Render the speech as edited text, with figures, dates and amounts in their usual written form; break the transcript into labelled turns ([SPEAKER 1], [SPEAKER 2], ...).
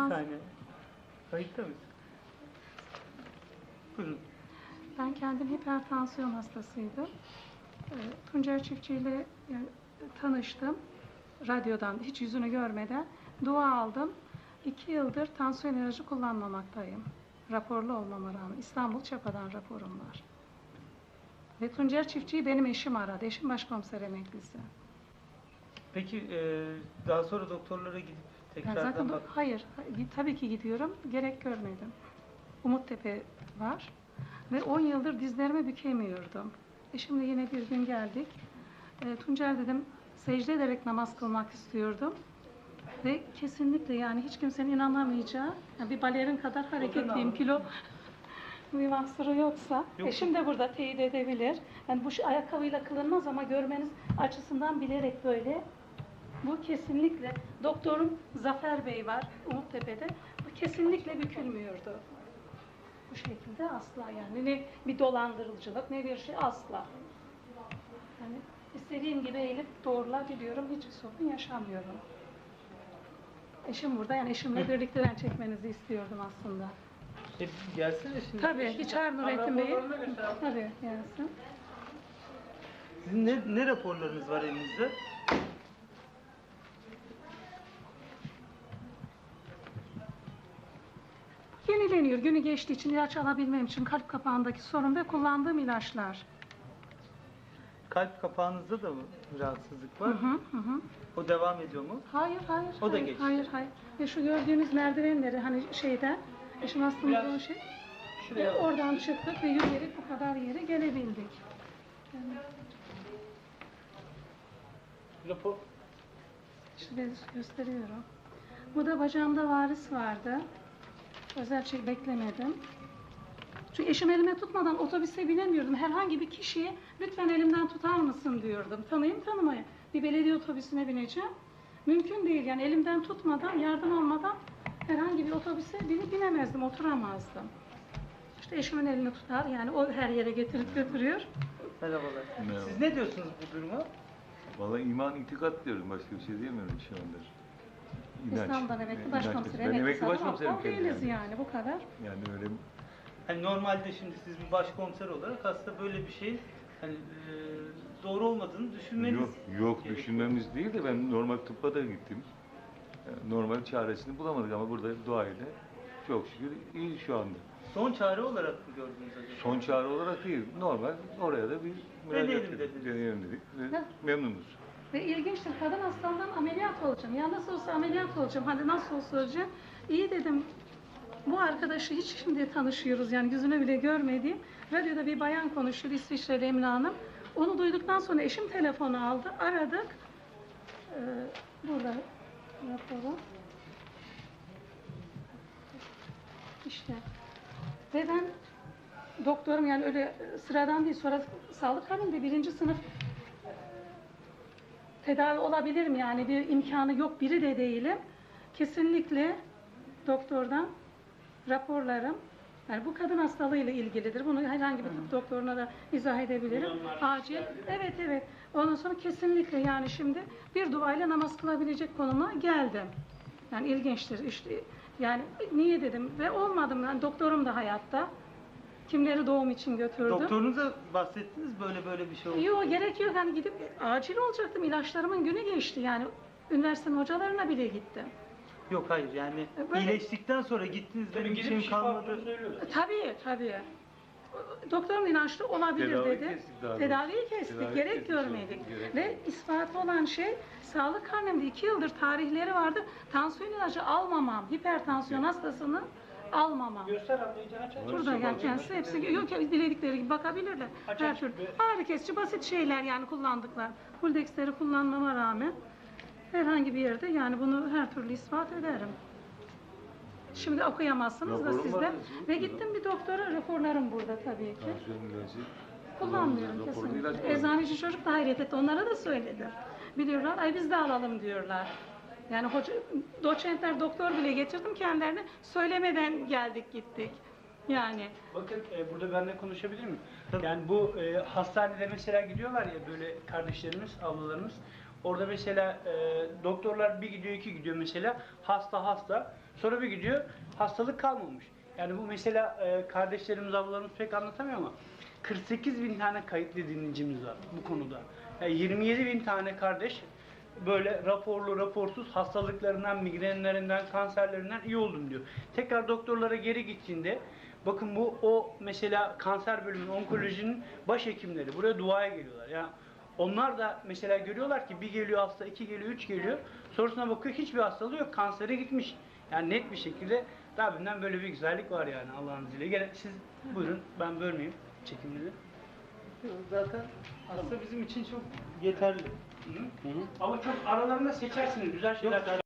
[SPEAKER 1] saniye. Kayıtta mısın? Buyurun.
[SPEAKER 2] Ben kendim hipertansiyon hastasıydım. Tuncer Çiftçi ile tanıştım. Radyodan, hiç yüzünü görmeden dua aldım. 2 yıldır tansiyon ilacı kullanmamaktayım. Raporlu olmama rağmen. İstanbul Çapa'dan raporum var. Ve Tuncer Çiftçi'yi benim eşim aradı. Eşim başkomiser emeklisi.
[SPEAKER 1] Peki daha sonra doktorlara gidip tekrardan
[SPEAKER 2] Zaten hayır, tabii ki gidiyorum. Gerek görmedim. Umuttepe var. Ve 10 yıldır dizlerimi bükemiyordum. Şimdi yine bir gün geldik. Tuncer dedim, secde ederek namaz kılmak istiyordum. Ve kesinlikle yani hiç kimsenin inanamayacağı, yani bir balerin kadar hareketliyim, kilo bir mahsuru yoksa. Eşim de burada teyit edebilir. Yani bu ayakkabıyla kılınmaz ama görmeniz açısından bilerek böyle. Bu kesinlikle, doktorum Zafer Bey var Umuttepe'de. Bu kesinlikle bükülmüyordu. Bu şekilde asla yani. Ne bir dolandırıcılık ne bir şey asla. Yani istediğim gibi eğilip doğrulabiliyorum. Hiçbir sorun yaşamıyorum. Eşim burada. Yani eşimle birlikte ben çekmenizi istiyordum aslında.
[SPEAKER 1] Gelsene şimdi.
[SPEAKER 2] Tabii. Bir çağır Nurettin Bey'i. Tabii gelsin.
[SPEAKER 1] Sizin ne raporlarınız var elinizde?
[SPEAKER 2] Yenileniyor. Günü geçtiği için ilaç alabilmem için kalp kapağındaki sorun ve kullandığım ilaçlar.
[SPEAKER 1] Kalp kapağınızda da mı rahatsızlık var?
[SPEAKER 2] Hı.
[SPEAKER 1] O devam ediyor mu?
[SPEAKER 2] Hayır.
[SPEAKER 1] O da geçti.
[SPEAKER 2] Hayır. Ve şu gördüğünüz merdivenleri hani şeyden, eşim aslında o şey. Oradan çıktık ve yürüyerek bu kadar yere gelebildik. Yani,
[SPEAKER 1] Rapor.
[SPEAKER 2] işte ben gösteriyorum. Bu da bacağımda varis vardı. Özel şey beklemedim. Çünkü eşim elime tutmadan otobüse binemiyordum. Herhangi bir kişiye lütfen elimden tutar mısın diyordum. Tanıyım tanımayın. Bir belediye otobüsüne bineceğim. Mümkün değil yani elimden tutmadan, yardım almadan herhangi bir otobüse binemezdim, oturamazdım. İşte eşimin elini tutar yani o her yere getirip götürüyor.
[SPEAKER 1] Merhabalar.
[SPEAKER 3] Merhaba.
[SPEAKER 1] Siz ne diyorsunuz bu duruma?
[SPEAKER 3] Vallahi iman itikat diyorum. Başka bir şey diyemiyorum şu anda.
[SPEAKER 2] İstanbul'dan emekli başkomiser,
[SPEAKER 3] Ben emekli başkomiserim
[SPEAKER 2] o değiliz yani bu kadar.
[SPEAKER 3] Yani öyle
[SPEAKER 1] Hani normalde şimdi siz bir başkomiser olarak aslında böyle bir şey hani doğru olmadığını düşünmeniz
[SPEAKER 3] yok düşünmemiz değil de ben normal tıbba da gittim. Normal çaresini bulamadık ama burada duayla çok şükür iyi şu anda.
[SPEAKER 1] son çare olarak mı gördünüz acaba?
[SPEAKER 3] Son çare olarak değil. Normal oraya da bir
[SPEAKER 1] Deneyelim dediniz.
[SPEAKER 3] Deneyelim dedik ve memnunuz.
[SPEAKER 2] Ve ilginçtir, kadın hastalığından ameliyat olacağım. Ya nasıl olsa ameliyat olacağım, hadi nasıl olsa olacağım. İyi dedim, bu arkadaşı hiç şimdi tanışıyoruz yani yüzünü bile görmediğim. Radyoda bir bayan konuşuyor, İsviçreli Emine Hanım. Onu duyduktan sonra eşim telefonu aldı, aradık. Burada raporu. İşte. Ve ben doktorum yani öyle sıradan değil, sonra sağlık halinde 1. sınıf tedavi olabilirim yani bir imkanı yok biri de değilim. Kesinlikle doktordan raporlarım yani bu kadın hastalığıyla ilgilidir. Bunu herhangi bir tıp doktoruna da izah edebilirim. Acil. Evet. Ondan sonra kesinlikle yani şimdi bir duayla namaz kılabilecek konuma geldim. Yani ilginçtir işte. Yani niye dedim ve olmadım yani doktorum da hayatta. Kimleri doğum için götürdüm.
[SPEAKER 1] Doktorunuza bahsettiniz böyle bir şey oldu.
[SPEAKER 2] Yok gerek yok hani gidip acil olacaktım ilaçlarımın günü geçti yani üniversitenin hocalarına bile gittim.
[SPEAKER 1] Yok hayır yani iyileştikten sonra gittiniz benim bir şeyim kalmadı.
[SPEAKER 2] Tabii. Doktorum inançlı olabilir
[SPEAKER 3] Tedaviyi
[SPEAKER 2] dedi.
[SPEAKER 3] kestik daha
[SPEAKER 2] Tedaviyi kestik.
[SPEAKER 3] Tedavi
[SPEAKER 2] Gerek
[SPEAKER 3] kestik,
[SPEAKER 2] görmedik.
[SPEAKER 3] gerek
[SPEAKER 2] Ve ispatı olan şey sağlık karnemde 2 yıldır tarihleri vardı. Tansiyon ilacı almamam. Hipertansiyon hastasını almamam.
[SPEAKER 4] Göster ablayı aç.
[SPEAKER 2] Burada gel kendisi hepsi yok ya diledikleri gibi bakabilirler. Her türlü ağrı kesici basit şeyler yani kullandıklar. Fuldex'leri kullanmama rağmen herhangi bir yerde yani bunu her türlü ispat ederim. Şimdi okuyamazsınız da
[SPEAKER 3] Raporum
[SPEAKER 2] sizde.
[SPEAKER 3] var,
[SPEAKER 2] Ve gittim bir doktora, raporlarım burada tabii ki.
[SPEAKER 3] Tansiyon ilacı
[SPEAKER 2] Kullanmıyorum
[SPEAKER 3] raporlu
[SPEAKER 2] kesinlikle.
[SPEAKER 3] ilaç var.
[SPEAKER 2] Eczaneci çocuk da hayret etti. Onlara da söyledim. Biliyorlar, ay biz de alalım diyorlar. Yani hoca, doçentler, doktor bile getirdim kendilerine. Söylemeden geldik gittik. Yani.
[SPEAKER 4] Bakın burada benimle konuşabilir miyim? Yani bu hastanelere mesela gidiyorlar ya böyle kardeşlerimiz, ablalarımız. Orada mesela doktorlar bir gidiyor, iki gidiyor mesela. Hasta. Sonra bir gidiyor, hastalık kalmamış. Yani bu mesela kardeşlerimiz, ablalarımız pek anlatamıyor ama 48 bin tane kayıtlı dinleyicimiz var bu konuda. Yani 27 bin tane kardeş böyle raporlu, raporsuz hastalıklarından, migrenlerinden, kanserlerinden iyi oldum diyor. Tekrar doktorlara geri gittiğinde, bakın bu o mesela kanser bölümünün, onkolojinin başhekimleri buraya duaya geliyorlar. Yani onlar da mesela görüyorlar ki bir geliyor hasta, iki geliyor, üç geliyor. Sonrasına bakıyor hiçbir hastalığı yok, kansere gitmiş. Yani net bir şekilde Rabbimden böyle bir güzellik var yani Allah'ın izniyle. Gene siz buyurun, ben bölmeyeyim çekimleri.
[SPEAKER 1] Zaten aslında bizim için çok yeterli.
[SPEAKER 4] Ama çok aralarında seçersiniz, güzel şeyler.